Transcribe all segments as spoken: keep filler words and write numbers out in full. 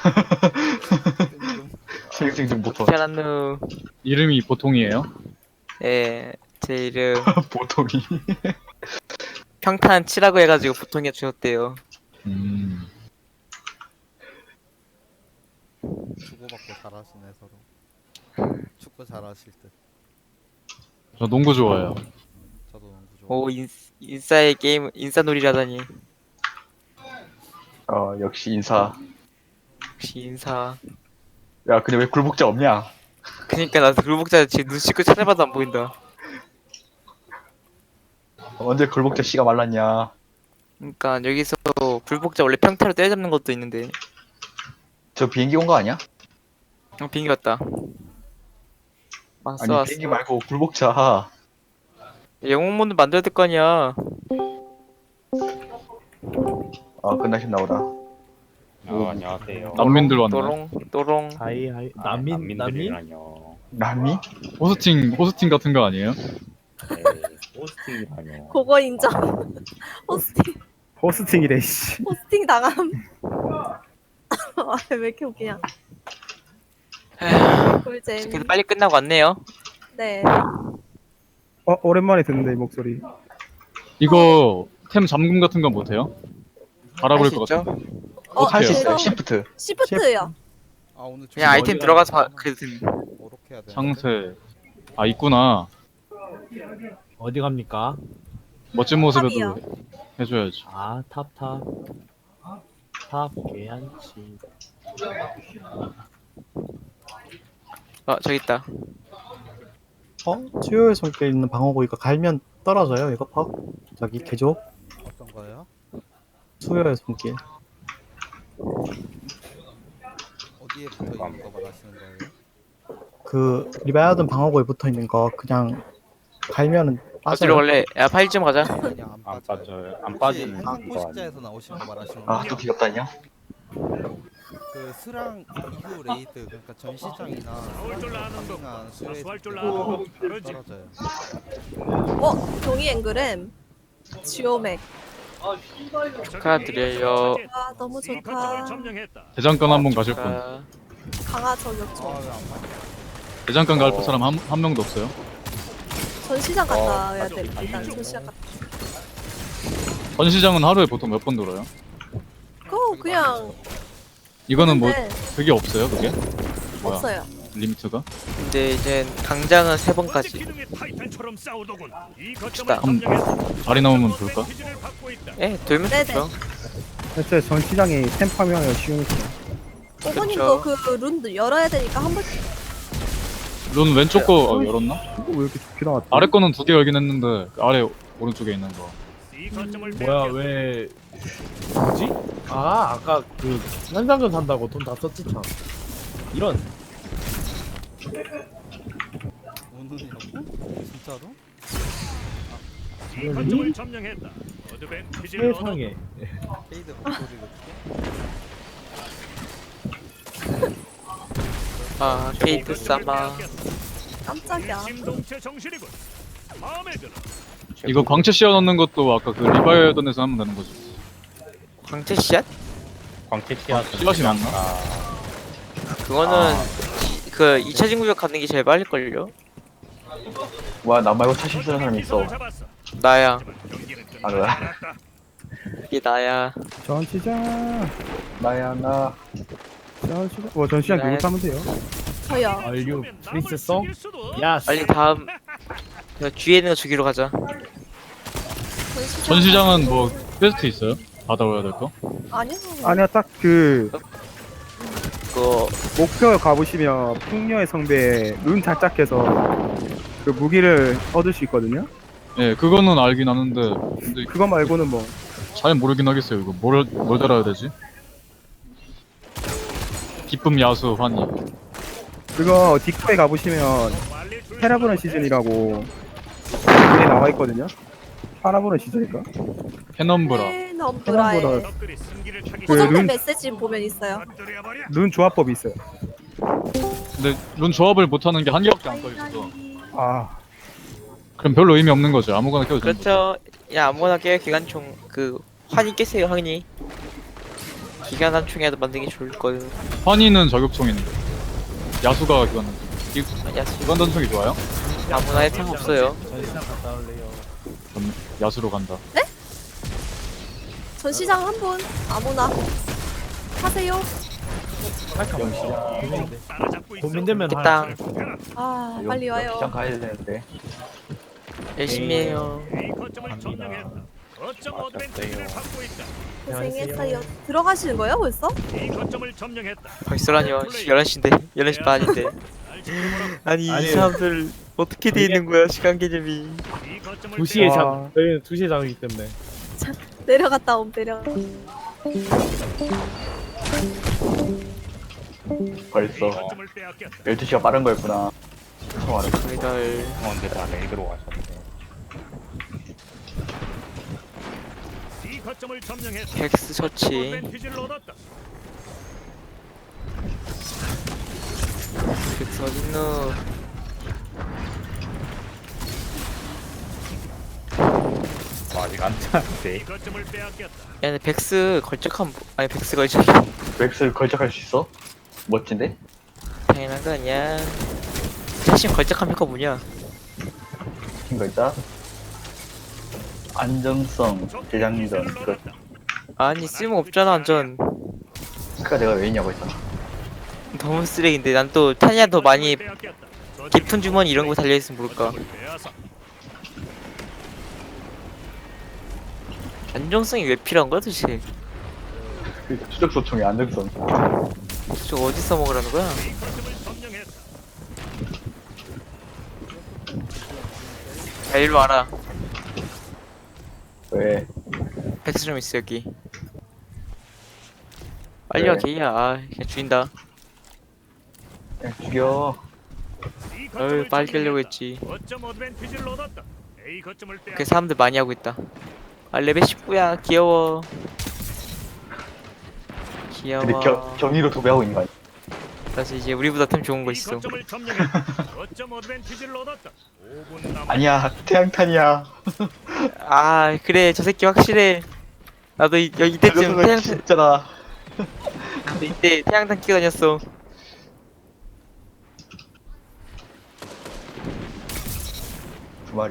징징징 보통. 잘한누. 이름이 보통이에요? 예, 제 이름 보통이. 평탄 치라고 해가지고 보통이 주었대요. 음. 주고받고 잘하시네 서로. 축구 잘하실 듯. 저 농구 좋아해요. 저도 농구 좋아. 오, 인, 인싸의 게임, 인싸놀이라다니. 어 역시 인사. 역시 인사. 야 근데 왜 굴복자 없냐? 그니까 나 굴복자 지금 눈 씻고 찾아봐도 안 보인다. 언제 굴복자 씨가 말랐냐? 그니까 여기서 굴복자 원래 평타로 때려잡는 것도 있는데. 저 비행기 온 거 아니야? 어, 비행기 왔다. 왔어, 아니 왔어. 비행기 말고 굴복자. 영웅 모드 만들어야 될 거 아니야. 아 끝나신 나오다. 어, 안녕하세요. 난민들 왔네. 또롱, 또롱. 하이 하이 아, 난민 난민 난민들이라뇨. 남미? 호스팅 호스팅 같은 거 아니에요? 네, 호스팅이라뇨. 그거 인정. 호스팅 호스팅이래 씨. 호스팅 당함. 아, 왜 이렇게 웃기냐. 꿀잼. 그래도 빨리 끝나고 왔네요. 네. 어 오랜만에 듣는데 이 목소리. 이거 템 잠금 같은 건 못해요? 알아볼 할수 것 있죠? 같아. 어, 어떻게 할 수 해요? 있어요. 그래서 시프트. 시프트요. 아 오늘 좀 그냥 아이템 어디가 들어가서 봐, 있나? 그래도 됩니다. 뭐렇게 해야 돼? 상세. 아 있구나. 어디 갑니까? 멋진 모습에도 탑이요. 해줘야지. 아 탑탑 탑 개한치. 어, 저기 있다. 어? 수요일 손길 있는 방어구 이거 갈면 떨어져요 이거 퍽? 저기 개조? 어떤 거예요? 수요일 손길 어디에 붙어 있는 거 말하시는 거예요? 그 리바이어든 방어구에 붙어있는 거 그냥 갈면은 어디로 빠져요. 갈래? 야, 파일 좀 가자. 그냥 안 안 빠져요. 빠져요. 안 혹시 빠지는 행성 거 아니에요? 포식자에서 나오신 거 말하시는 아 거예요? 또 귀엽다냐? 그 스랑 이후 레이드 그러니까 전시장이나 파밍한 수레이드 떨어져요. 어, 종이 앵그램. 지오맥. 축하드려요. 아, 너무 좋다. 대장간 한번 가실 분. 아, 강화 저격총. 아왜안 맞냐? 대장간 갈 사람 한, 한 명도 없어요? 전시장 갔다 와야 돼. 일단 전시장 갔다. 전시장은 하루에 보통 몇 번 돌아요? 그거 그냥 이거는 뭐 근데 그게 없어요? 그게? 뭐야? 없어요. 리미트가? 근데 이제 강장은 세 번까지. 갑시다. 한 자리 나오면 좋을까? 예, 돌면 네네. 좋죠. 대체 전시장이 템 파밍하기가 쉬우니까. 오버님도 그 룬 열어야 되니까 한 번. 론 왼쪽 거 어, 열었나? 이거 왜 이렇게 좋게 나왔지? 아래 거는 두 개 열긴 했는데 그 아래 오른쪽에 있는 거. 뭐야 왜 뭐지? 아 아까 그 현상금 산다고 돈 다 썼지 참. 이런 오늘이라고? 진짜로? 세상에 페이드 목소리를 아, 케이트 사마. 깜짝이야. 이거 광채 씌워 넣는 것도 아까 그 리바이어던에서 하면 되는 거지. 광채 씨앗? 광채 씨앗. 씨앗이 맞나? 그거는 그 이 차 진구역 가는 게 제일 빨릴걸요? 와 나 말고 차심 쓰는 사람 있어. 나야. 아 그래? 이게 나야. 전시장 나야 나. 전시장. 와 전시장 누구 타면 돼요? 저요. 알류 프린세송? 야 빨리 다음. 그 뒤에 있는 거 주기로 가자. 전시장. 전시장은 뭐 퀘스트 있어요? 받아와야 될 거? 아니요. 아니야 딱 그 그거 목표 가보시면 풍녀의 성배에 룬 달짝해서 그 무기를 얻을 수 있거든요. 예, 그거는 알긴 아는데 근데 그거 말고는 뭐 잘 모르긴 하겠어요. 이거 뭘, 뭘 달아야 되지? 기쁨 야수 환희. 그거 딕토에 가보시면 테라브런 시즌이라고 그게 나와 있거든요. 파라브런 시즌일까? 페넘브라. 네, 넘브라에 테라브라 고정된 룬, 메시지 보면 있어요. 룬 조합법이 있어요. 근데 룬 조합을 못하는 게 한 개밖에 안 떠있어서 아 그럼 별로 의미 없는 거죠. 아무거나 껴도 되는 거죠. 그렇죠. 야, 아무거나 깨요. 기관총 그 환희 깨세요, 환희. 기간 단총이라도 만들기 좋을 거예요. 환희는 저격총인데 야수가 기관 단총. 이 아, 야수 기관 단총이 좋아요? 아무나 해탕 없어요. 전시장 갔다 올래요. 그럼 야수로 간다. 전시장 한 분 아무나 하세요. 고민돼. 고민되면 됐다. 할. 아 빨리 와요. 시장 가야 되는데. 열심히 해요. 갑니다. 고생했어요. 들어가시는 거예요 벌써? 벌써라뇨. 열한 시인데. 열한 시 반인데. 아니, 아니, 이 사람들 어떻게 돼 있는 거야 시간 개념이. 두 시에 와. 장. 저희는 두 시에 장이기 때문에. 내려갔다 옴 내려. 벌써 열두 시가 빠른 거였구나. 처음 알았어. 저희들 어, 근데 다 레이드로 가셨네. 텍스 처치. 텍스 어딨노? 어, 아직 안 찼는데. 야 근데 백스 걸적한 뭐- 아니 백스 걸적 맥스 걸작할 수 있어? 멋진데? 당연한 거 아니야. 사실 걸적한 효과 뭐냐? 긴 거 있다. 안정성, 대장전. 그, 아니 쓸모 없잖아 완전. 그니까 내가 왜 있냐고 했잖아. 너무 쓰레기인데 난 또 타니아 더 많이 깊은 주머니 이런 거 달려있으면 모를까. 안정성이 왜 필요한 거야 도대체? 그 추적 소총의 안정성. 저거 어디서 먹으라는 거야? 야 일로 와라. 왜? 백스 좀 있어 여기. 빨리 와 왜? 개야. 아 그냥 죽인다. 그냥 죽여. 어휴 빨리 깨려고 했지. 그 사람들 많이 하고 있다. 아 레벨 십구야 귀여워. 귀여워. 근데 겨, 경위로 도배하고 있는 거 아니야? 그래서 이제 우리보다 템 좋은 거 있어. 아니야, 태양탄이야. 아 그래 저 새끼 확실해. 나도 이, 여기 이때쯤 저거가 태양 진짜다. 나도 이때 태양탄 끼고 다녔어. 두 마리.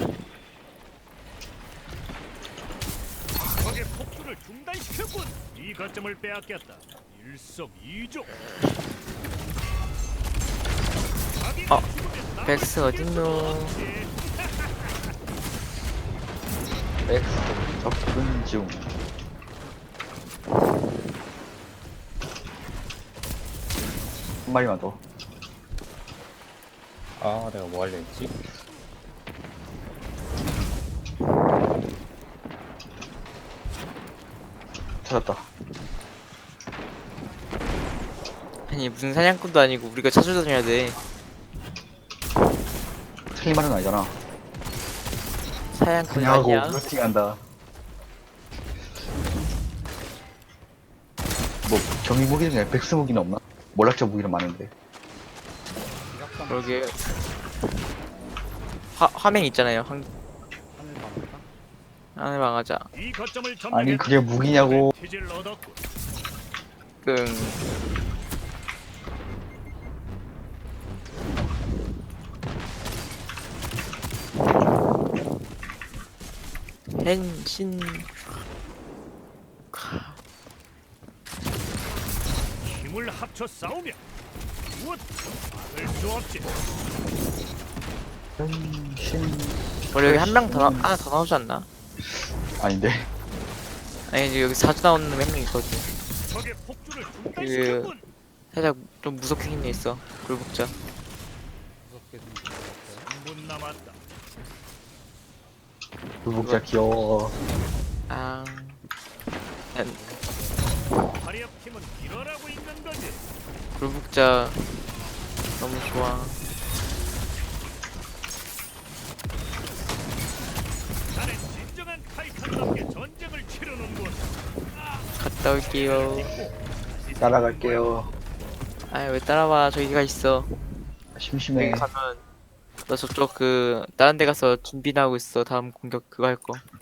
적의 폭주를 중단시켰군. 이 거점을 빼앗겼다. 일석이조. 어 백스 어딨노? 맥스 접근 중. 한 마리만 더. 아, 내가 뭐 하려 했지? 찾았다. 아니 무슨 사냥꾼도 아니고 우리가 찾아다녀야 돼. 틀린 말은 아니잖아. 사냥꾼 그냥 하고 아니야. 루팅한다. 뭐 경위 무기 중에 백스 무기는 없나? 몰락자 무기는 많은데. 그러게. 화 화면 있잖아요. 한 하늘 망하자. 이 거점을 아니 그게 무기냐고. 피지를 얻었군. 끙. hen신. 힘을 합쳐 싸우면 무엇 막을 수 없지. 신 원래 여기 한 명 더 하나 더 나오지 않나? 아닌데. 아니 이제 여기 자주 나오는 놈 한 명 있거든. 적의 폭주를 그 중단시켰군. 살짝 좀 무섭게 생긴 애 있어. 굴복자. 무섭게 생겼어요. 삼 분 남았다. 불복자 귀여워. 아. 난 파리업 팀은 이러라고 있는 거지. 굴복자 너무 좋아. 나는 진정한 타이탄답게 전쟁을 치르는군. 갔다 올게요. 따라갈게요. 아이 왜 따라와? 저기가 있어. 심심해. 여기 가면 너 저쪽 그 다른 데 가서 준비나 하고 있어. 다음 공격 그거 할 거.